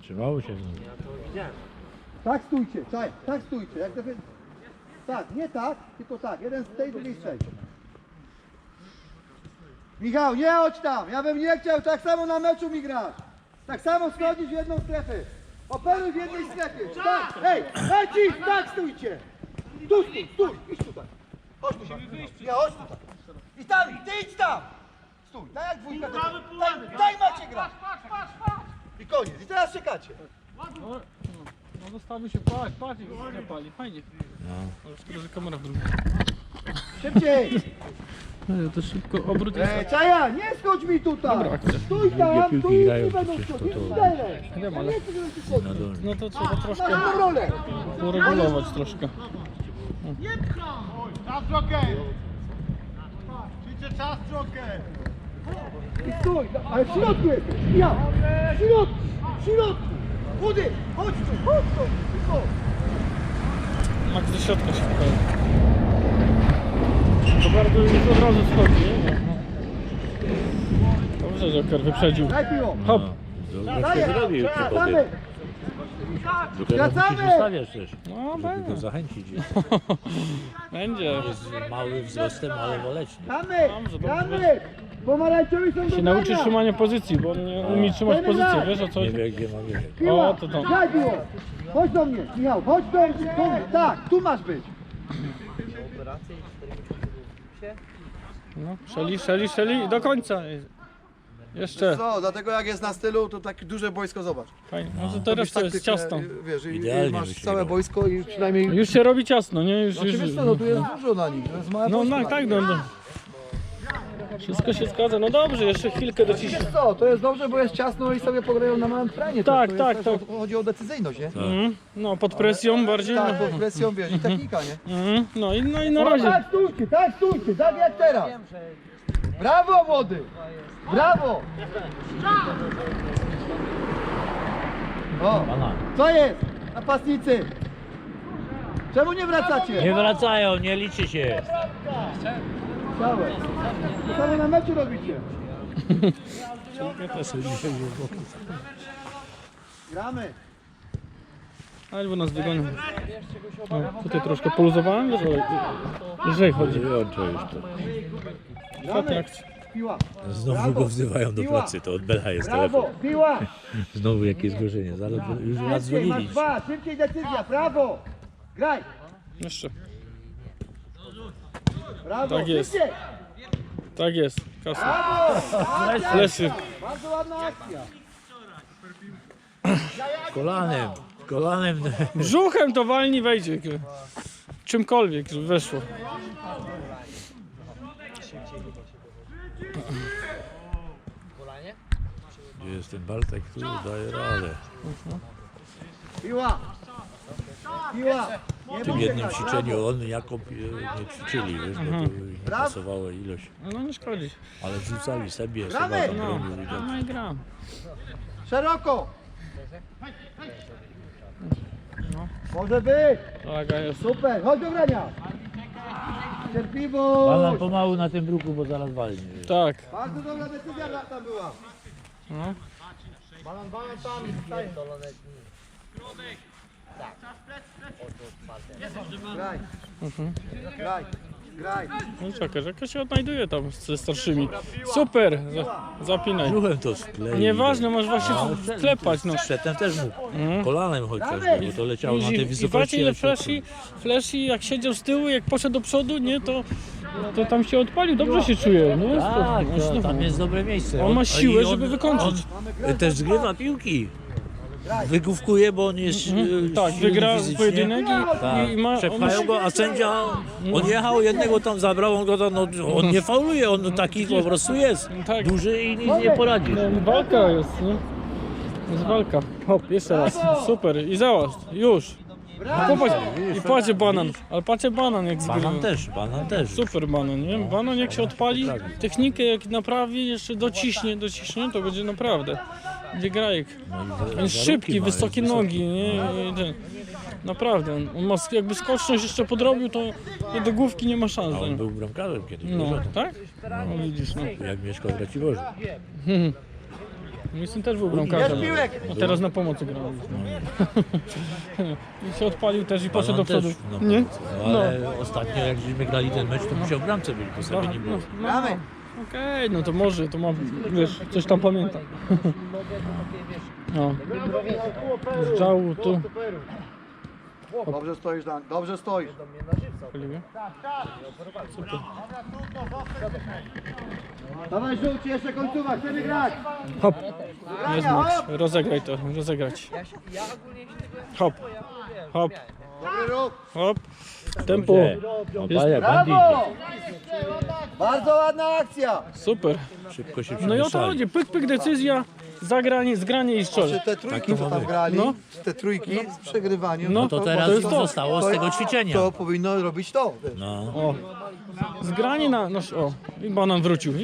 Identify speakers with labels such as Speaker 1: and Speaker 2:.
Speaker 1: Zatrzymało się.
Speaker 2: Tak stójcie, tak stójcie. Jak tak, nie tak, tylko tak. Jeden z tej, drugiej z tej. Michał, nie chodź tam. Ja bym nie chciał tak samo na meczu mi grać. Tak samo schodzić w jedną strefę. Operuj w jednej strefie. Tak, hej, lecisz, tak stójcie. Tu stój, idź tutaj. Chodź tutaj. Ja chodź tutaj. I tam, ty idź tam. Stój, tak jak dwójka. Daj macie grać. I koniec, i teraz czekacie.
Speaker 3: No zostawił się, patrz, nie pali, fajnie.
Speaker 1: No.
Speaker 3: Ale szkoda, że kamera w drugim.
Speaker 2: Szybciej.
Speaker 3: No, to szybko obrót jest.
Speaker 2: Czaja, nie schodź mi tutaj.
Speaker 3: Dobra, akcja.
Speaker 2: Stój tam,
Speaker 1: piłki
Speaker 2: tu nic
Speaker 1: grają
Speaker 2: nie będą
Speaker 1: przecież,
Speaker 2: schodzić.
Speaker 1: to-
Speaker 3: Wiem, ale
Speaker 2: Nie chcę, żebyś tu schodził.
Speaker 1: Na dole.
Speaker 3: no to trzeba troszkę
Speaker 2: Masz tą rolę.
Speaker 3: uregulować troszkę.
Speaker 4: Czas Joker! Ćwiczę czas Joker!
Speaker 2: I stój, ale w środku jesteś. Ja, w środku. Chudy, chodź tu, cicho.
Speaker 3: Max do środka się wchodzi. To bardzo już od razu schodzi. Dobrze, Joker wyprzedził.
Speaker 2: Daj piło.
Speaker 3: Hop.
Speaker 1: Dobrze zrobił
Speaker 2: Wracamy.
Speaker 1: Dopiero musisz ustawiać też,
Speaker 3: No,
Speaker 1: żeby
Speaker 3: będzie.
Speaker 1: go zachęcić.
Speaker 3: Będzie.
Speaker 1: Jest małym wzrostem, ale waleczny.
Speaker 2: Gramy. Pomarańczowi są do
Speaker 3: Się nauczy
Speaker 2: grania.
Speaker 3: trzymania pozycji, bo on nie umie trzymać pozycji, wiesz o co
Speaker 1: Nie
Speaker 3: chodzi?
Speaker 1: wie gdzie ma biegać.
Speaker 2: Piła,
Speaker 3: O, to tam.
Speaker 2: daj piło. Chodź do mnie, Michał, chodź do mnie. Tak, tu masz być.
Speaker 3: No, szeli i do końca. Jeszcze.
Speaker 5: Co, dlatego jak jest na stylu, to takie duże boisko, zobacz.
Speaker 3: Fajnie. No to teraz to jest ciasno.
Speaker 5: Wiesz, i
Speaker 1: Idealnie
Speaker 5: masz
Speaker 1: by się
Speaker 5: całe
Speaker 1: grało.
Speaker 5: boisko i przynajmniej...
Speaker 3: Już się robi ciasno, nie? Już.
Speaker 5: Wiesz co, no tu jest dużo na nich, to jest małe
Speaker 3: No
Speaker 5: boisko na
Speaker 3: tak,
Speaker 5: nich.
Speaker 3: no. Wszystko się zgadza. No dobrze, jeszcze chwilkę dociśnie.
Speaker 5: Wiesz co, to jest dobrze, bo jest ciasno i sobie pograją na małym terenie.
Speaker 3: Tak,
Speaker 5: to
Speaker 3: tak,
Speaker 5: jest
Speaker 3: tak.
Speaker 5: też Chodzi o decyzyjność, nie?
Speaker 3: No, pod presją bardziej.
Speaker 5: Tak, pod presją, wiesz, i technika, nie?
Speaker 3: No i na razie.
Speaker 2: Tak stójcie, tak jak teraz.
Speaker 5: Brawo, młody! Brawo!
Speaker 2: O,
Speaker 1: Pana.
Speaker 2: co jest? Napastnicy. Czemu nie wracacie?
Speaker 1: Nie wracają, nie liczy się.
Speaker 2: Całe. To samo na meczu robicie. Gramy.
Speaker 3: Albo nas wygonią. No, tutaj troszkę poluzowałem, wiesz, ale lżej chodzi.
Speaker 1: Wyłączę już to.
Speaker 3: Ostatnia akcja.
Speaker 2: Piła.
Speaker 1: Znowu go wzywają do pracy, to od Bela jest
Speaker 2: Brawo,
Speaker 1: telefon.
Speaker 2: piła.
Speaker 1: Znowu jakieś zgłoszenie, zaraz już raz
Speaker 2: Szybciej, masz
Speaker 1: dzwonili.
Speaker 2: dwa, szybciej decyzja, brawo. Graj.
Speaker 3: Jeszcze.
Speaker 2: Brawo,
Speaker 3: Tak jest.
Speaker 2: szybciej.
Speaker 3: Tak jest. Kasa.
Speaker 2: Brawo.
Speaker 3: Lesy.
Speaker 2: Bardzo ładna akcja.
Speaker 1: Kolanem.
Speaker 3: Brzuchem to walni wejdzie. Czymkolwiek, żeby weszło.
Speaker 1: Gdzie jest ten Bartek, tu daje radę.
Speaker 2: Piła. Piła.
Speaker 1: W tym jednym ćwiczeniu on i Jakub nie ćwiczyli, wiesz, bo to nie pasowała ilość.
Speaker 3: No nie szkodzi.
Speaker 1: Ale rzucali sobie,
Speaker 2: Gramy!
Speaker 1: Seba tam bronił widać.
Speaker 3: No i gram.
Speaker 2: Szeroko. Może być.
Speaker 3: Laga jest.
Speaker 2: Super, chodź do grania.
Speaker 1: Banan
Speaker 2: Cierpliwość.
Speaker 1: pomału na tym bruku, bo zaraz walnie.
Speaker 3: Tak.
Speaker 2: Bardzo dobra decyzja tam była.
Speaker 3: No.
Speaker 2: Balan tam i wstaje. Graj. Graj. Graj.
Speaker 3: No czekaj, że się odnajduje tam ze starszymi. Super! Zapinaj.
Speaker 1: Brzuchem to skleił.
Speaker 3: Nieważne, masz właśnie klepać, no.
Speaker 1: Przedtem też mógł. Kolanem chociaż, bo to leciało na tej
Speaker 3: I patrzcie
Speaker 1: wysokości.
Speaker 3: ile
Speaker 1: ale to-
Speaker 3: flashy jak siedział z tyłu, jak poszedł do przodu, nie, to tam się odpalił, dobrze się czuje, nie?
Speaker 1: Tak,
Speaker 3: No,
Speaker 1: tam jest dobre miejsce.
Speaker 3: On ma siłę,
Speaker 1: i
Speaker 3: żeby wykończyć.
Speaker 1: On też zgrywa piłki. Wygłówkuje, bo on jest
Speaker 3: Tak,
Speaker 1: silny
Speaker 3: wygra
Speaker 1: fizycznie.
Speaker 3: pojedynek
Speaker 1: Tak,
Speaker 3: i ma...
Speaker 1: przepchają go, a sędzia, on jechał, jednego tam zabrał, on go tam, no, on nie fauluje, on taki po prostu jest,
Speaker 3: Tak.
Speaker 1: duży i nic nie poradzi.
Speaker 3: No, walka jest, nie? Jest walka. Hop, jeszcze raz. Super. I załatw. Już. Popatrz. I patrzcie banan. Ale patrzcie banan jak zgrywa.
Speaker 1: Banan też.
Speaker 3: Super banan, nie? Banan jak się odpali, technikę jak naprawi, jeszcze dociśnie, to będzie naprawdę. Gdzie grajek. On jest szybki, wysokie nogi, nie? I ten- Naprawdę, on ma jakby skoczność jeszcze podrobił, to do główki nie ma szans.
Speaker 1: A on
Speaker 3: nie?
Speaker 1: był bramkarzem kiedyś,
Speaker 3: No,
Speaker 1: wiesz o tym?
Speaker 3: tak? No widzisz, no.
Speaker 1: Jak mieszkał w Raciborzu.
Speaker 3: Mój syn też był
Speaker 2: Jest
Speaker 3: bramkarzem.
Speaker 2: piłek!
Speaker 3: A teraz na pomocy gra. I się odpalił też i poszedł do
Speaker 1: Balon
Speaker 3: przodu.
Speaker 1: też, no,
Speaker 3: Nie?
Speaker 1: no, ale ostatnio jak żeśmy grali ten mecz, to musiał w bramce być, bo sobie nie było.
Speaker 2: Gramy!
Speaker 3: Okej, no to może, to mam, wiesz, coś tam pamiętam. No. Z działu tu.
Speaker 2: Dobrze stoisz, Dan, dobrze stoisz. Dawaj żółci, jeszcze końcówka, chcemy grać!
Speaker 3: Hop,
Speaker 2: Grania,
Speaker 3: jest Max,
Speaker 2: hop!
Speaker 3: rozegraj to, rozegrać. Hop, hop,
Speaker 2: Dobry ruch!
Speaker 3: hop, tempo,
Speaker 1: Opaja, bandit.
Speaker 2: Brawo! Bardzo ładna akcja!
Speaker 3: super.
Speaker 1: Szybko się
Speaker 3: No i o to
Speaker 1: przemieszali.
Speaker 3: chodzi, pyk, pyk, decyzja, zagranie, zgranie i
Speaker 5: Czy
Speaker 3: szczerze.
Speaker 5: te trójki,
Speaker 1: Taki
Speaker 5: co tam
Speaker 1: moment.
Speaker 5: grali,
Speaker 3: No.
Speaker 5: te trójki z przegrywaniem,
Speaker 3: No
Speaker 1: To
Speaker 3: bo
Speaker 1: teraz
Speaker 3: to jest to.
Speaker 1: zostało z tego ćwiczenia.
Speaker 5: to powinno robić to. Wiesz.
Speaker 1: No.
Speaker 3: O, zgranie na, no, o, i banan wrócił.